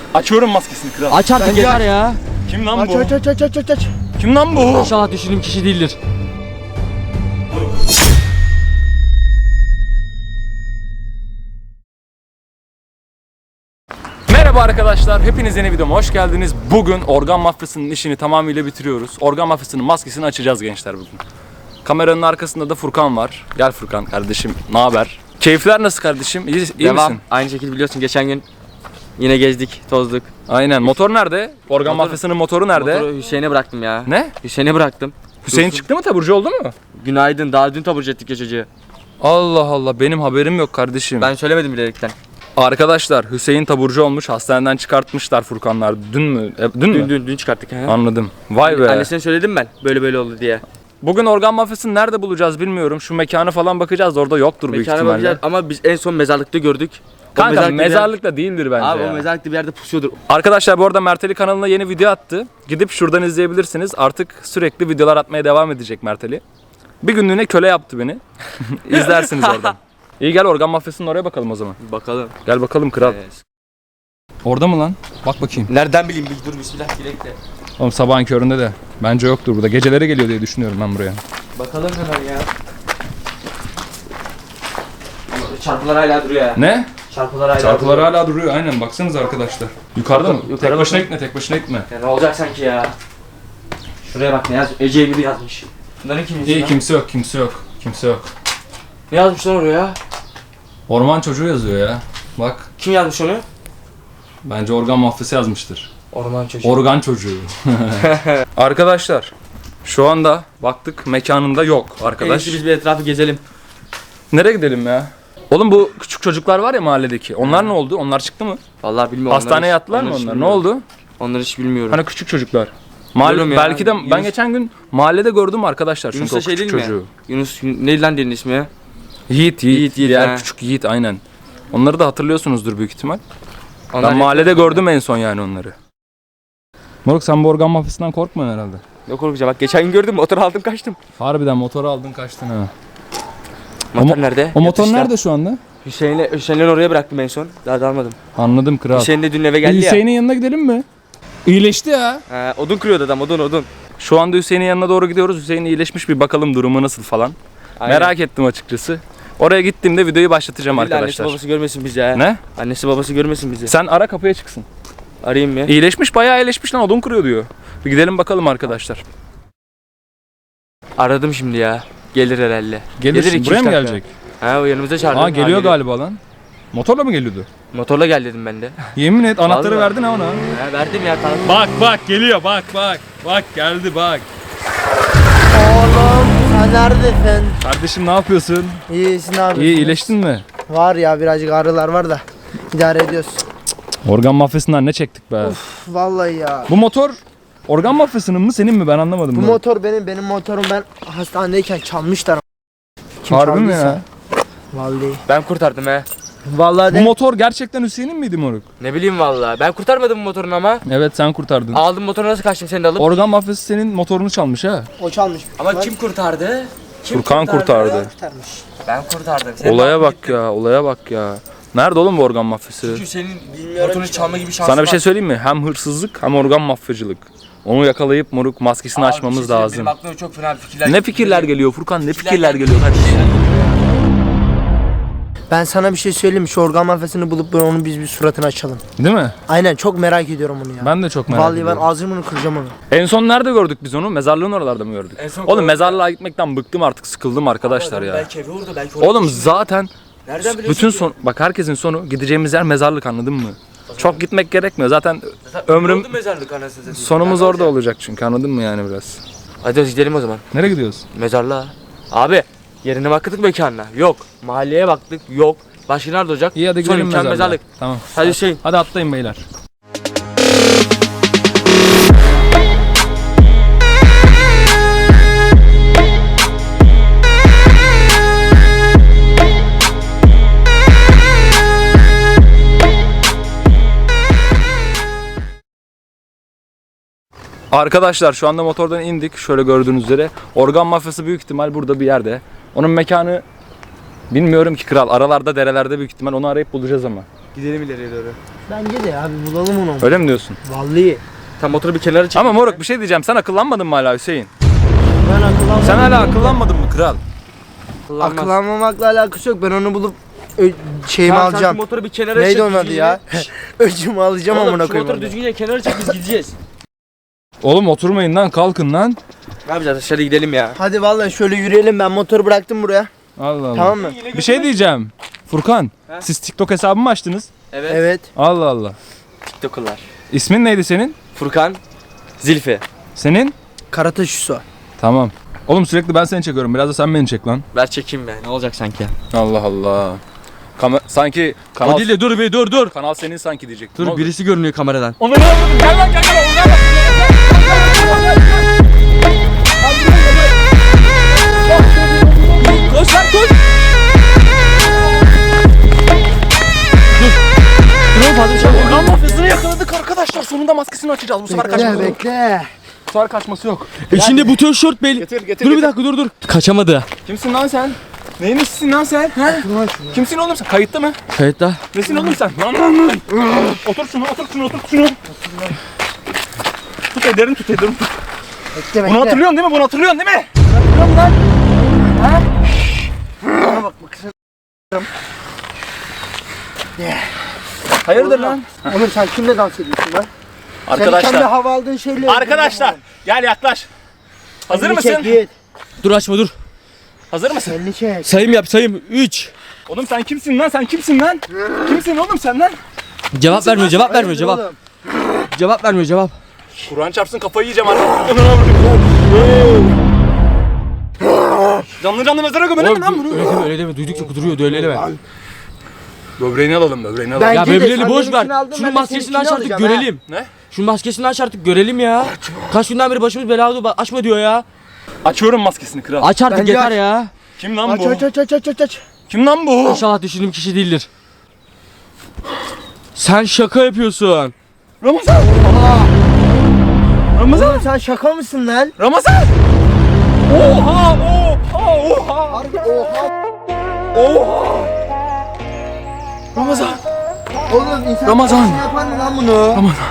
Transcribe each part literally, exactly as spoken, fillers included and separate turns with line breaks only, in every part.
Açıyorum maskesini kral.
Aç artık yeter ya.
Kim lan
Aç
bu?
aç aç aç aç aç aç.
Kim lan bu?
İnşallah düşündüğüm kişi değildir.
Merhaba arkadaşlar, hepiniz yeni videoma hoş geldiniz. Bugün organ mafyasının işini tamamıyla bitiriyoruz. Organ mafyasının maskesini açacağız gençler bugün. Kameranın arkasında da Furkan var. Gel Furkan kardeşim, ne haber? Keyifler nasıl kardeşim? İyi, iyi
Devam.
misin?
Aynı şekilde biliyorsun geçen gün yine gezdik, tozduk.
Aynen. Motor nerede? Organ
Motor-
mafyasının motoru nerede?
Motoru Hüseyin'e bıraktım ya.
Ne?
Hüseyin'e bıraktım.
Hüseyin
Dursun.
çıktı mı, taburcu oldu mu?
Günaydın. Daha dün taburcu ettik ya çocuğu.
Allah Allah, benim haberim yok kardeşim.
Ben söylemedim bilerekten.
Arkadaşlar, Hüseyin taburcu olmuş, hastaneden çıkartmışlar Furkanlar. Dün mü? E, dün,
Dün
mü?
dün dün çıkarttık. He.
Anladım. Vay be.
Annesine söyledim ben. Böyle böyle oldu diye.
Bugün organ mafyasını nerede bulacağız bilmiyorum. Şu mekanı falan bakacağız. Orada yoktur büyük
Mekana
ihtimalle.
bakacağız ama biz en son mezarlıkta gördük. O
Kanka
mezarlıkta bir yer-
mezarlıkta değildir bence
Abi
ya.
o mezarlıkta bir yerde pusuyordur.
Arkadaşlar bu arada Merteli kanalına yeni video attı. Gidip şuradan izleyebilirsiniz. Artık sürekli videolar atmaya devam edecek Merteli. Bir günlüğüne köle yaptı beni. İzlersiniz oradan. İyi, gel organ mafyasının oraya bakalım o zaman.
Bakalım.
Gel bakalım kral.
Evet.
Orada mı lan? Bak bakayım.
Nereden bileyim? Bir dur bismillah dilek de.
Oğlum sabahın köründe de. Bence yoktur burada. Geceleri geliyor diye düşünüyorum ben buraya.
Bakalım hemen ya. Çarpılar hala duruyor ya.
Ne?
Çarpılar hala
Çarpılar
duruyor.
hala duruyor. Aynen, baksanıza arkadaşlar. Yukarıda mı?
Yukarı
tek başına
bakın.
gitme, tek başına gitme.
Ya ne olacak sanki ya? Şuraya bak ne yazmış? Ece Emir yazmış. Bunların kim
İyi,
lan?
kimse yok, kimse yok. Kimse yok.
Ne yazmış lan oraya?
Orman çocuğu yazıyor ya. Bak,
Kim yazmış onu?
bence organ mafyası yazmıştır.
Orman çocuğu.
Organ çocuğu. Arkadaşlar, şu anda baktık mekanında yok
En
arkadaş.
iyisi biz bir etrafı gezelim.
Nereye gidelim ya? Oğlum bu küçük çocuklar var ya mahalledeki. Onlar ne oldu? Onlar çıktı mı?
Vallahi bilmiyorum.
Hastaneye
onları hiç-
yattılar mı
onları hiç
onlar? Ne
bilmiyorum.
oldu?
Onları hiç bilmiyorum.
Hani küçük çocuklar. Mahalle,
Biliyorum ya,
belki de ben
Yunus-
geçen gün mahallede gördüm arkadaşlar çünkü
Yunus
o
da şey
küçük
değil mi?
çocuğu.
Yunus neydi lan diğerinin ismi ya?
Yiğit, Yiğit,
Yiğit, Yiğit,
diğer
he.
küçük Yiğit aynen. Onları da hatırlıyorsunuzdur büyük ihtimal.
Onlar
Ben mahallede gördüm en son yani onları. Moruk, sen bu organ mafyasından korkmuyorsun herhalde.
Ne korkacağım bak geçen gün gördüm motor aldım kaçtım.
Harbiden motoru aldın kaçtın ha.
Motor
mo-
nerede?
O motor
Yatışta.
nerede şu anda?
Hüseyin'le Hüseyin'le oraya bıraktım en son. Daha da almadım.
Anladım kral.
Hüseyin de dün eve geldi ya.
Hüseyin'in yanına gidelim mi? İyileşti ya.
Ha, odun kırıyordu adam odun odun.
Şu anda Hüseyin'in yanına doğru gidiyoruz. Hüseyin iyileşmiş, bir bakalım durumu nasıl falan.
Aynen.
Merak ettim açıkçası. Oraya gittiğimde videoyu başlatacağım
Billahi
arkadaşlar.
Annesi babası görmesin bizi ha.
Ne?
Annesi babası görmesin bizi.
Sen ara, kapıya çıksın.
Arayayım mı?
İyileşmiş, bayağı iyileşmiş lan, odun kırıyor diyor. Bir gidelim bakalım arkadaşlar.
Aradım şimdi ya. Gelir herhalde.
Gelir,
iki,
buraya
üç
mı
dakika.
gelecek?
Ha o yanımıza çağırdı.
Aa, geliyor galiba lan. Motorla mı geliyordu?
Motorla gel dedim ben de.
Yemin et, anahtarı
Vallahi.
verdin ha ona.
Ha verdim ya kanka.
Bak bak geliyor, bak bak. Bak geldi bak.
Oğlum sen neredesin?
Kardeşim ne yapıyorsun?
İyisin abi.
İyi, iyileştin mi?
Var ya, birazcık ağrılar var da idare ediyoruz.
Organ mafyasından ne çektik be?
Uf, vallahi ya.
Bu motor organ mafyasının mı senin mi, ben anlamadım.
Bu
bunu.
motor benim, benim motorum, ben hastanedeyken çalmışlar. Kim
Harbi mi
çaldıysa.
ya?
Vallahi.
Ben kurtardım he.
Vallahi
Bu
de.
motor gerçekten Hüseyin'in miydi moruk?
Ne bileyim vallahi. Ben kurtarmadım bu motorunu ama.
Evet, sen kurtardın.
Aldım motoru nasıl kaçtım seni de alıp.
Organ mafyası senin motorunu çalmış ha.
O çalmış.
Ama kim kurtardı? Kim
Furkan kurtardı.
kurtarmış?
Ben kurtardım. Senin
Olaya
de
bak ya, olaya bak ya. Nerede oğlum bu organ mafyası?
Çünkü senin motorunu çalma gibi şansın
Sana bir şey
var.
söyleyeyim mi? Hem hırsızlık hem organ mafyacılık. Onu yakalayıp moruk maskesini
Abi, bir
açmamız
şey söyleyeyim,
lazım.
Benim aklıma çok fena fikirler.
Ne fikirler geliyor Furkan? Ne
Fikirler
fikirler
geliyor.
geliyor kardeşim?
Ben sana bir şey söyleyeyim mi? Şu organ mafyasını bulup böyle onu biz bir suratını açalım.
Değil mi?
Aynen, çok merak ediyorum onu ya.
Ben de çok merak
Vallahi ben
ediyorum.
ağzımını kıracağım onu.
En son nerede gördük biz onu? Mezarlığın oralarda mı gördük?
En son
Oğlum
gördük.
mezarlığa gitmekten bıktım artık, sıkıldım arkadaşlar ya.
Belki evi orada belki orada.
Oğlum zaten
Nereden biliyorsun
bütün
ki?
son, bak herkesin sonu gideceğimiz yer mezarlık, anladın mı? Çok gitmek gerekmiyor zaten,
Zaten
ömrüm
oldu mezarlık anasını satayım.
sonumuz
Nerede
orada
olacak?
olacak çünkü, anladın mı yani biraz?
Hadi gidelim o zaman.
Nereye gidiyoruz?
Mezarlığa. Abi yerine baktık mekanına. Yok. Mahalleye baktık. Yok. Başka nerede olacak?
İyi, hadi
Son
gidelim
imkan
mezarlığa.
mezarlık.
Tamam.
Hadi Hüseyin.
Hadi atlayın beyler. Arkadaşlar şu anda motordan indik. Şöyle gördüğünüz üzere. Organ mafyası büyük ihtimal burada bir yerde. Onun mekanı bilmiyorum ki kral. Aralarda, derelerde büyük ihtimal, onu arayıp bulacağız ama.
Gidelim ileriye doğru.
Bence de abi bulalım onu.
Öyle mi diyorsun?
Vallahi.
Tam motoru bir kenara çek.
Ama moruk bir şey diyeceğim. Sen akıllanmadın mı hala Hüseyin?
Ben akıllanmam.
Sen hala akıllanmadın mı kral?
Kullanmaz.
Akıllanmamakla alakası yok. Ben onu bulup ö- şeyimi
Tamam, sen
alacağım.
şu motoru bir kenara
Neydi
çek.
onun adı
düzgünce.
ya? Öcümü alacağım
Oğlum,
amına
şu
koyayım.
motoru
onu.
düzgünce kenara çek biz gideceğiz.
Oğlum oturmayın lan, kalkın lan.
Ne yapacağız, dışarı gidelim ya.
Hadi vallahi şöyle yürüyelim, ben motoru bıraktım buraya.
Allah Allah.
Tamam mı?
Bir şey diyeceğim. Furkan,
He?
siz TikTok hesabı mı açtınız?
Evet.
Evet.
Allah Allah.
TikTok'lar.
İsmin neydi senin?
Furkan, Zilfi.
Senin?
Karataş Üso.
Tamam. Oğlum sürekli ben seni çekiyorum. Biraz da sen beni çek lan.
Ver çekeyim be. Ne olacak sanki?
Allah Allah. Kamer sanki kanal
O değil de dur bir dur dur.
kanal senin sanki diyecek.
Dur birisi görünüyor kameradan.
Onu ne yapalım? Gel lan gel gel. Gel,
Koş lan koş. Dur oğlum fazla bir şey
Organ mafyasını yakaladık arkadaşlar. Sonunda maskesini açacağız. Bu sefer
Bekle
kaçması yok.
bekle.
Bu sefer kaçması yok.
İçinde bu tişört belli.
Getir getir.
Dur bir
getir.
dakika dur dur. Kaçamadı.
Kimsin lan sen? Neyin nesisin lan sen? He? Kimsin oğlum sen? Kayıtta mı?
Kayıtta.
Nesin oğlum sen? Lan lan lan. Otur şunu, otur şunu, otur şunu. Tut ederim, tut ederim. Tut.
Bekle bekle.
Bunu hatırlıyorsun değil mi? Bunu hatırlıyorsun değil mi?
Hatırlıyorum lan. Ha? Bana bak bak.
Hayırdır lan?
Oğlum sen kimle dans ediyorsun lan? Sen kendi
Arkadaşlar.
hava aldığın şeyle.
Arkadaşlar. Gel yaklaş. Hazır
Elini
mısın?
çek, git.
Dur açma dur.
Hazır mısın?
Elini çek.
Sayım yap sayım. üç.
Oğlum sen kimsin lan? Sen kimsin lan? Kimsin oğlum sen lan?
Cevap vermiyor cevap vermiyor
Hayırdır
cevap.
oğlum?
Cevap vermiyor cevap.
Kur'an çarpsın kafayı yiyeceğim artık. Canlı canlı mezara gömelim mi lan bunu?
Öyle deme öyle deme. Duydukça kuduruyordu öyle deme.
Böbreğini alalım, böbreğini alalım.
Ben-
Ya
Bence de
bebeleri
sen
boş
benimkini
ver.
aldın, ben
Şunun
de
maskesini aç
seninkini
artık
alacağım ha.
görelim.
Ne?
Şunun maskesini aç artık görelim ya. Kaç günden beri başımız belada ba- açma diyor ya.
Açıyorum maskesini kral.
Aç artık
Bence
yeter
aç.
ya.
Kim lan
Aç
bu?
aç aç aç aç aç aç.
Kim lan bu?
İnşallah düşündüğüm kişi değildir. Sen şaka yapıyorsun.
Ramazan. Ramazan.
Oğlum sen şaka mısın lan?
Ramazan. Oha, oha, oha.
Harbi oha.
Oha. Ramazan.
Oğlum insan
Ramazan.
kardeşine yapar mı lan bunu?
Ramazan.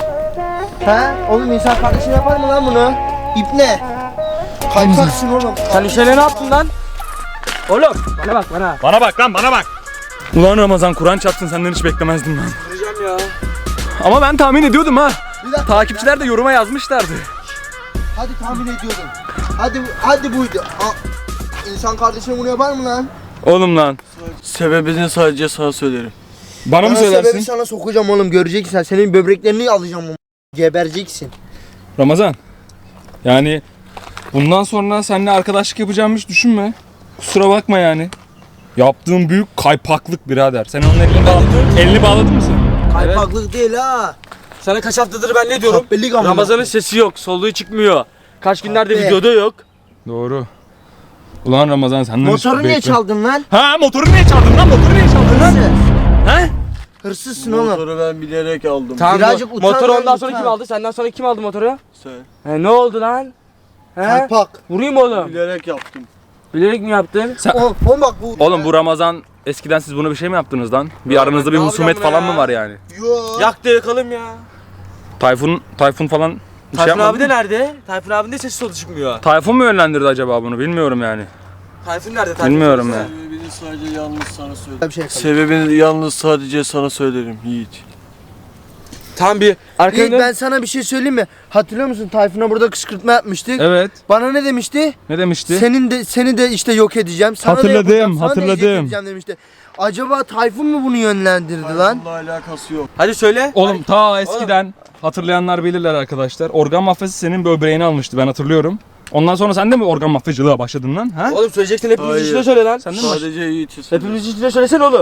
He? Oğlum insan kardeşine yapar mı lan bunu? İpne. Kaypaksın oğlum.
Sen Hüseyin'e ne yaptın lan? Oğlum bana bak bana.
Bana bak lan, bana bak. Ulan Ramazan, Kur'an çarpsın, senden hiç beklemezdim lan.
Vuracağım ya.
Ama ben tahmin ediyordum ha.
Bir dakika.
Takipçiler de yoruma yazmışlardı.
Hadi tahmin ediyordum. Hadi hadi buydu. Aa, insan kardeşine bunu yapar mı lan?
Oğlum lan.
Sebebini sadece sana söylerim.
Bana mı
Ben sebebi
söylersin?
sana sokacağım oğlum, göreceksin sen. Senin böbreklerini alacağım oğlum. Gebereceksin.
Ramazan. Yani bundan sonra seninle arkadaşlık yapacağımı hiç düşünme. Kusura bakma yani. Yaptığın büyük kaypaklık birader. Sen onun elini, bağ- elini bağladın mı sen?
Kaypaklık değil ha.
Sana kaç haftadır ben ne diyorum?
Kahpelik ama.
Ramazan'ın sesi yok, soluğu çıkmıyor. Kaç günlerde
Kahpe.
videoda yok.
Doğru. Ulan Ramazan senden hiç
Motoru niye
bekle-
çaldın lan?
Ha, motoru niye çaldın lan? Motoru niye çaldın lan?
Hırsız.
He?
Hırsızsın oğlum.
Motoru ben bilerek aldım.
Tamam,
Birazcık
mo-
utan
motoru
lan,
ondan sonra
utan.
kim aldı? Senden sonra kim aldı motoru?
Sen.
He, ne oldu lan? He?
Kaypak.
Vurayım oğlum.
Bilerek yaptım.
Bilerek mi yaptın?
Oğlum, oğlum bak bu.
Oğlum bu Ramazan eskiden siz bunu bir şey mi yaptınız lan? Bir
Ya
aranızda
ben
bir
ne
husumet
yapacağım
falan
ya?
mı var yani?
Yo.
Yaktı yakalım ya.
Tayfun, Tayfun falan bir şey
Tayfun
yapmadı
abi de
mı?
nerede? Tayfun abinin de sesi solu çıkmıyor.
Tayfun mu yönlendirdi acaba bunu? Bilmiyorum yani.
Tayfun nerede? Tayfun
Bilmiyorum ya.
Sebebini sadece yalnız sana söylerim.
Bir şey yapalım.
Sebebini yalnız sadece sana söylerim Yiğit.
Tam bir
Yiğit,
arkaya
ben sana bir şey söyleyeyim mi? Hatırlıyor musun? Tayfun'a burada kışkırtma yapmıştık.
Evet.
Bana ne demişti?
Ne demişti?
Senin de seni de işte yok edeceğim. Sana
Hatırladım,
da yapacağım, sana da
hatırladım.
eziyet edeceğim demişti. Acaba Tayfun mu bunu yönlendirdi lan?
Bununla alakası yok.
Hadi söyle.
Oğlum ta eskiden hatırlayanlar bilirler arkadaşlar. Organ mafyası senin böbreğini almıştı, ben hatırlıyorum. Ondan sonra sen de mi organ mafyacılığa başladın lan? Ha?
Oğlum söyleyeceksin hepimiz
Hayır.
içinde söyle lan.
Sen de mi başladın?
Sadece Yiğit'i söylerim.
Hepimiz içinde söylesene oğlum.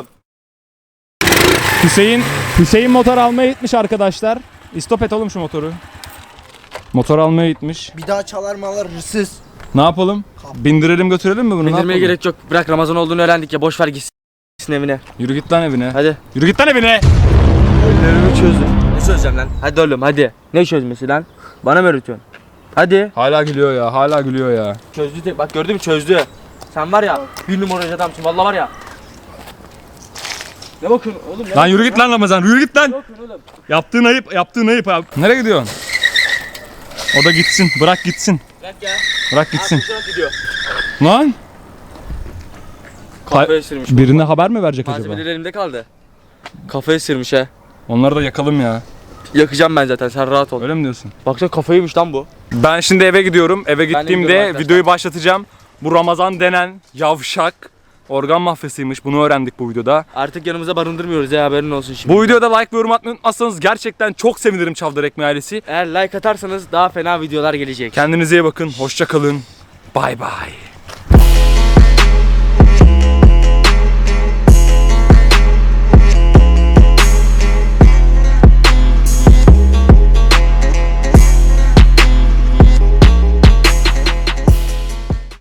Hüseyin, Hüseyin motor almaya gitmiş arkadaşlar. İstop et oğlum şu motoru. Motor almaya gitmiş.
Bir daha çalar malar hırsız.
Ne yapalım? Bindirelim götürelim mi bunu? Ne
Bindirmeye
yapalım?
gerek yok. Bırak Ramazan olduğunu öğrendik ya. Boş ver gitsin evine.
Yürü git lan evine.
Hadi.
Yürü git lan evine.
Ellerimi çözün.
Ne çözeceğim lan? Hadi oğlum hadi. Ne çözmesi lan? Bana mı öğretiyorsun? Hadi.
Hala gülüyor ya, hala gülüyor ya.
Çözdü tek. Bak gördün mü çözdü. Sen var ya bir numaracı adamsın. Vallahi var ya. Ne bakıyorsun oğlum? Ne
Lan yürü git lan Ramazan, yürü git lan.
bakıyorsun oğlum?
Yaptığın ayıp, yaptığın ayıp abi. Nereye gidiyorsun? O da gitsin, bırak gitsin.
Bırak ya.
Bırak gitsin.
Abi gidiyor.
Lan!
Kafaya sürmüş.
Birine haber mi verecek acaba?
Malzemeler elimde kaldı. Kafaya sürmüş ha.
Onları da yakalım ya.
Yakacağım ben zaten, sen rahat ol.
Öyle mi diyorsun?
Baksana kafayıymış lan bu.
Ben şimdi eve gidiyorum. Eve
gidiyorum
gittiğimde
arkadaşlar.
videoyu başlatacağım. Bu Ramazan denen yavşak organ mafyasıymış. Bunu öğrendik bu videoda.
Artık yanımıza barındırmıyoruz ya, haberin olsun şimdi.
Bu videoda like ve yorum atmayı unutmazsanız gerçekten çok sevinirim Çavdar Ekmeği ailesi.
Eğer like atarsanız daha fena videolar gelecek.
Kendinize iyi bakın. Hoşça kalın. Bay bay.